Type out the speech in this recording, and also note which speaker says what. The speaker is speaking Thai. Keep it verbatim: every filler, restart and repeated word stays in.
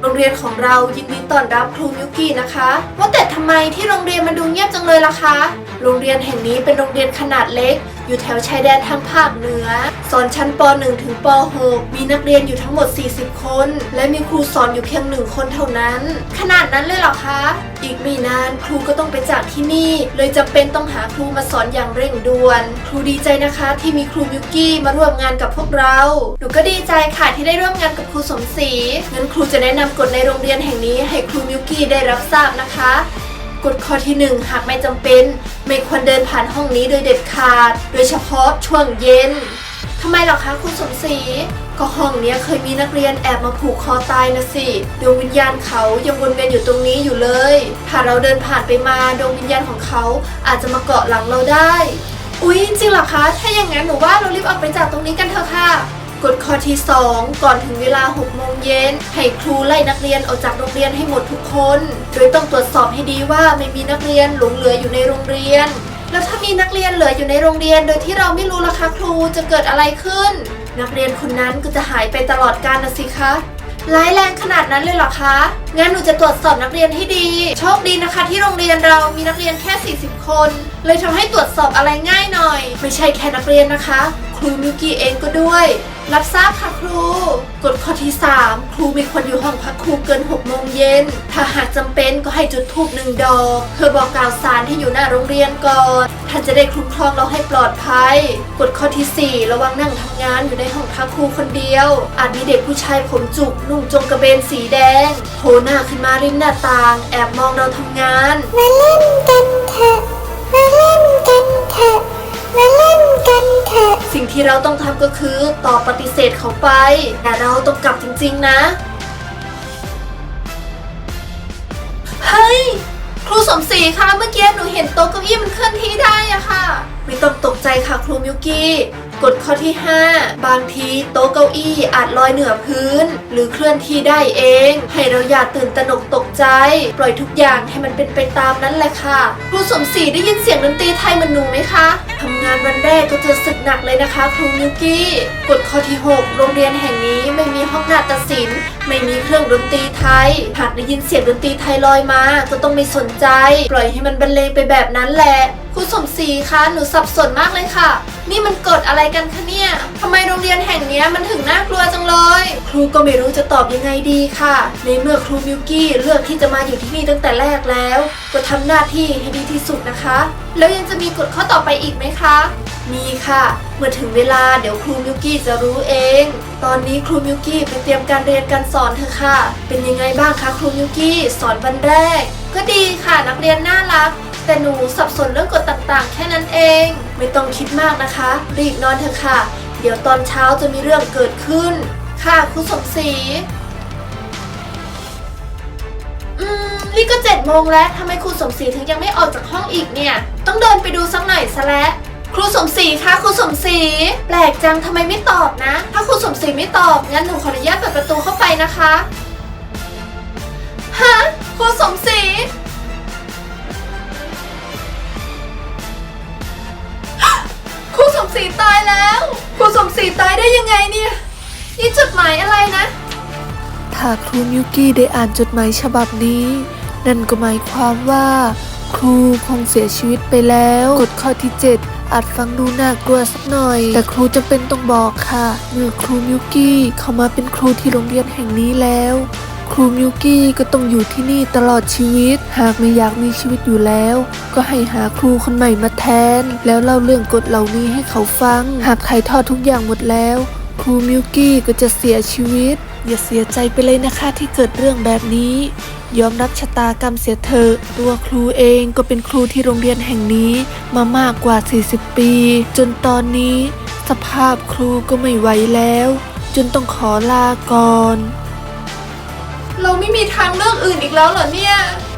Speaker 1: โรงเรียนของเรายินดีต้อนรับครูมิวกี้นะคะว่าแต่ทำไมที่โรงเรียนมันดูเงียบจังเลยล่ะคะโรงเรียนแห่งนี้เป็นโรงเรียนขนาดเล็กอยู่แถวชายแดนทางภาคเหนือสอนชั้นป หนึ่ง ถึงป หก มีนักเรียนอยู่ทั้งหมดสี่สิบคนและมีครูสอนอยู่เพียงหนึ่งคนเท่านั้นขนาดนั้นเลยเหรอคะอีกไม่นานครูก็ต้องไปจากที่นี่เลยจำเป็นต้องหาครูมาสอนอย่างเร่งด่วนครูดีใจนะคะที่มีครูมิวกี้มาร่วมงานกับพวกเราหนูก็ดีใจค่ะที่ได้ร่วมงานกับครูสมศรีงั้นครูจะแนะนำกฎในโรงเรียนแห่งนี้ให้ครูมิวกี้ได้รับทราบนะคะกฎข้อที่หนึ่งหากไม่จำเป็นไม่ควรเดินผ่านห้องนี้โดยเด็ดขาดโดยเฉพาะช่วงเย็นทำไมหรอคะคุณสมศรีก็ห้องนี้เคยมีนักเรียนแอบมาผูกคอตายนะสิดวงวิญญาณเขายังวนเวียนอยู่ตรงนี้อยู่เลยถ้าเราเดินผ่านไปมาดวงวิญญาณของเขาอาจจะมาเกาะหลังเราได้อุ๊ยจริงเหรอคะถ้าอย่างนั้นหนูว่าเรารีบออกไปจากตรงนี้กันเถอะค่ะกฎข้อที่สองก่อนถึงเวลาหกโมงเย็นให้ครูไล่นักเรียนออกจากโรงเรียนให้หมดทุกคนโดยต้องตรวจสอบให้ดีว่าไม่มีนักเรียนหลงเหลืออยู่ในโรงเรียนแล้วถ้ามีนักเรียนเหลืออยู่ในโรงเรียนโดยที่เราไม่รู้ล่ะคะครูจะเกิดอะไรขึ้นนักเรียนคนนั้นก็จะหายไปตลอดกาลนะสิคะร้ายแรงขนาดนั้นเลยเหรอคะงั้นหนูจะตรวจสอบนักเรียนให้ดีโชคดีนะคะที่โรงเรียนเรามีนักเรียนแค่สี่สิบคนเลยทำให้ตรวจสอบอะไรง่ายหน่อยไม่ใช่แค่นักเรียนนะคะครูมิวกี้เองก็ด้วยรับทราบค่ะครูกฎข้อที่สามครูไม่ควรอยู่ห้องพักครูเกินหกโมงเย็นถ้าหากจำเป็นก็ให้จุดธูปหนึ่งดอกเพื่อบอกกล่าวสารที่อยู่หน้าโรงเรียนก่อนท่านจะได้คุ้มครองเราให้ปลอดภัยกฎข้อที่สี่ระวังนั่งทำงานอยู่ในห้องพักครูคนเดียวอาจมีเด็กผู้ชายผมจุกนุ่งจงกระเบนสีแดงโผล่หน้าขึ้นมาริมหน้าต่างแอบมองเราทำงาน
Speaker 2: มาเล่นกันเถอะมาเล่นกันเถอะมาเล่นกันเถอะ
Speaker 1: สิ่งที่เราต้องทำก็คือตอบปฏิเสธเขาไปแต่เราต้องกลับจริงๆนะเฮ้ยครูสมศรีคะเมื่อกี้หนูเห็นโต๊ะเก้าอี้มันเคลื่อนที่ได้อะค่ะไม่ต้องตกใจค่ะครูมิวกี้กฎข้อที่ห้าบางทีโต๊ะเก้าอี้อาจลอยเหนือพื้นหรือเคลื่อนที่ได้เองให้เราอย่าตื่นตระหนกตกใจปล่อยทุกอย่างให้มันเป็นไปตามนั้นแหละค่ะครูสมศรีได้ยินเสียงดนตรีไทยเหมือนหนูไหมคะทำงานวันแรกก็เจอศึกหนักเลยนะคะครูมิวกี้กฎข้อที่หกโรงเรียนแห่งนี้ไม่มีห้องนาฏศิลป์ไม่มีเครื่องดนตรีไทยหากได้ยินเสียงดนตรีไทยลอยมาก็ต้องไม่สนใจปล่อยให้มันบรรเลงไปแบบนั้นแหละครูสมศรีคะหนูสับสนมากเลยค่ะนี่มันกฎอะไรกันคะเนี่ยทำไมโรงเรียนแห่งนี้มันถึงน่ากลัวจังเลยครูก็ไม่รู้จะตอบยังไงดีค่ะในเมื่อครูมิวกี้เลือกที่จะมาอยู่ที่นี่ตั้งแต่แรกแล้วก็ทำหน้าที่ให้ดีที่สุดนะคะแล้วยังจะมีกฎข้อต่อไปอีกไหมคะมีค่ะเมื่อถึงเวลาเดี๋ยวครูมิวกี้จะรู้เองตอนนี้ครูมิวกี้ไปเตรียมการเรียนการสอนเถอะค่ะเป็นยังไงบ้างคะครูมิวกี้สอนวันแรกก็ดีค่ะนักเรียนน่ารักแต่หนูสับสนเรื่องกฎต่างๆแค่นั้นเองไม่ต้องคิดมากนะคะรีบนอนเถอะค่ะเดี๋ยวตอนเช้าจะมีเรื่องเกิดขึ้นค่ะครูสมศรีอืมนี่ก็เจ็ดโมงแล้วทำไมครูสมศรีถึงยังไม่ออกจากห้องอีกเนี่ยต้องเดินไปดูสักหน่อยซะแล้วครูสมศรีคะครูสมศรีแปลกจังทำไมไม่ตอบนะถ้าครูสมศรีไม่ตอบงั้นหนูขออนุญาตเปิดประตูเข้าไปนะคะฮะครูสมศรีครูสมศรีตายแล้วครูสมศรีตายได้ยังไงเนี่ยนี่จดหมายอะไรนะ
Speaker 3: ถ้าครูมิวกี้ได้อ่านจดหมายฉบับนี้นั่นก็หมายความว่าครูคงเสียชีวิตไปแล้วกฎข้อที่เจ็ดอาจฟังดูน่ากลัวสักหน่อยแต่ครูจำเป็นต้องบอกค่ะเมื่อครูมิวกี้เข้ามาเป็นครูที่โรงเรียนแห่งนี้แล้วครูมิวกี้ก็ต้องอยู่ที่นี่ตลอดชีวิตหากไม่อยากมีชีวิตอยู่แล้วก็ให้หาครูคนใหม่มาแทนแล้วเล่าเรื่องกฎเหล่านี้ให้เขาฟังหากถ่ายทอดทุกอย่างหมดแล้วครูมิวกี้ก็จะเสียชีวิตอย่าเสียใจไปเลยนะคะที่เกิดเรื่องแบบนี้ยอมรับชะตากรรมเสียเถอะตัวครูเองก็เป็นครูที่โรงเรียนแห่งนี้มามากกว่าสี่สิบปีจนตอนนี้สภาพครูก็ไม่ไหวแล้วจนต้องขอลาก่อน
Speaker 1: เราไม่มีทางเลือกอื่นอีกแล้วเหรอเนี่ย